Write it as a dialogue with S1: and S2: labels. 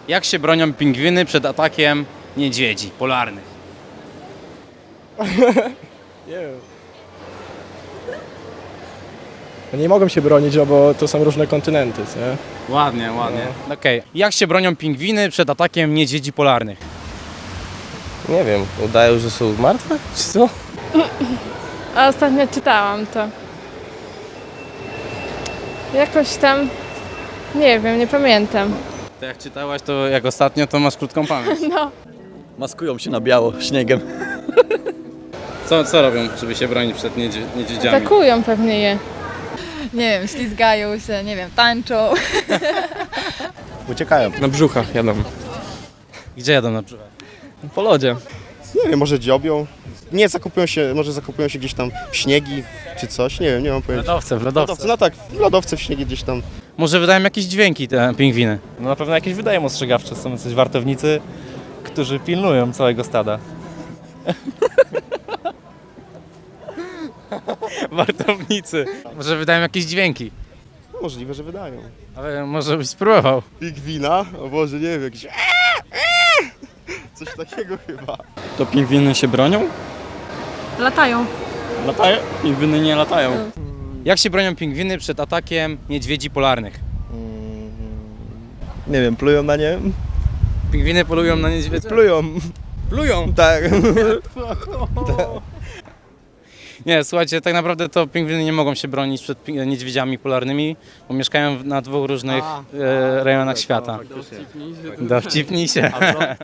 S1: Jak się bronią pingwiny przed atakiem niedźwiedzi polarnych?
S2: Nie wiem. No nie mogą się bronić, no bo to są różne kontynenty, nie?
S1: Ładnie, ładnie. Okej. Jak się bronią pingwiny przed atakiem niedźwiedzi polarnych?
S3: Nie wiem, udają, że są martwe? Czy co?
S4: A ostatnio czytałam to. Jakoś tam, nie wiem, nie pamiętam.
S1: To jak czytałaś, to jak ostatnio, to masz krótką pamięć.
S4: No,
S5: Maskują się na biało śniegiem.
S1: Co robią, żeby się bronić przed niedźwiedziami?
S4: atakują pewnie je.
S6: Nie wiem, ślizgają się, nie wiem, tańczą.
S5: Uciekają.
S2: Na brzuchach jadą.
S1: Gdzie jadą na przykład?
S2: Po lodzie.
S7: Nie wiem, może dziobią. Nie, może zakupują się gdzieś tam w śniegi czy coś, nie wiem, nie mam pojęcia.
S1: W lodowce.
S7: No tak, w lodowce w śniegi gdzieś tam.
S1: Może wydają jakieś dźwięki te pingwiny.
S8: No na pewno jakieś wydają ostrzegawcze, są jacyś wartownicy, którzy pilnują całego stada.
S1: Wartownicy. Może wydają jakieś dźwięki.
S7: Możliwe, że wydają.
S1: Ale może byś spróbował.
S7: Pingwina? O Boże, nie wiem, jakiś coś takiego chyba.
S5: To pingwiny się bronią?
S6: Latają.
S5: Latają? Pingwiny nie latają.
S1: Jak się bronią pingwiny przed atakiem niedźwiedzi polarnych?
S3: Nie wiem, plują na nie?
S1: Pingwiny polują na niedźwiedzie?
S3: Plują.
S1: Plują!
S3: Tak.
S1: Nie, słuchajcie, tak naprawdę to pingwiny nie mogą się bronić przed niedźwiedziami polarnymi, bo mieszkają na dwóch różnych rejonach świata. Dowcipnij się.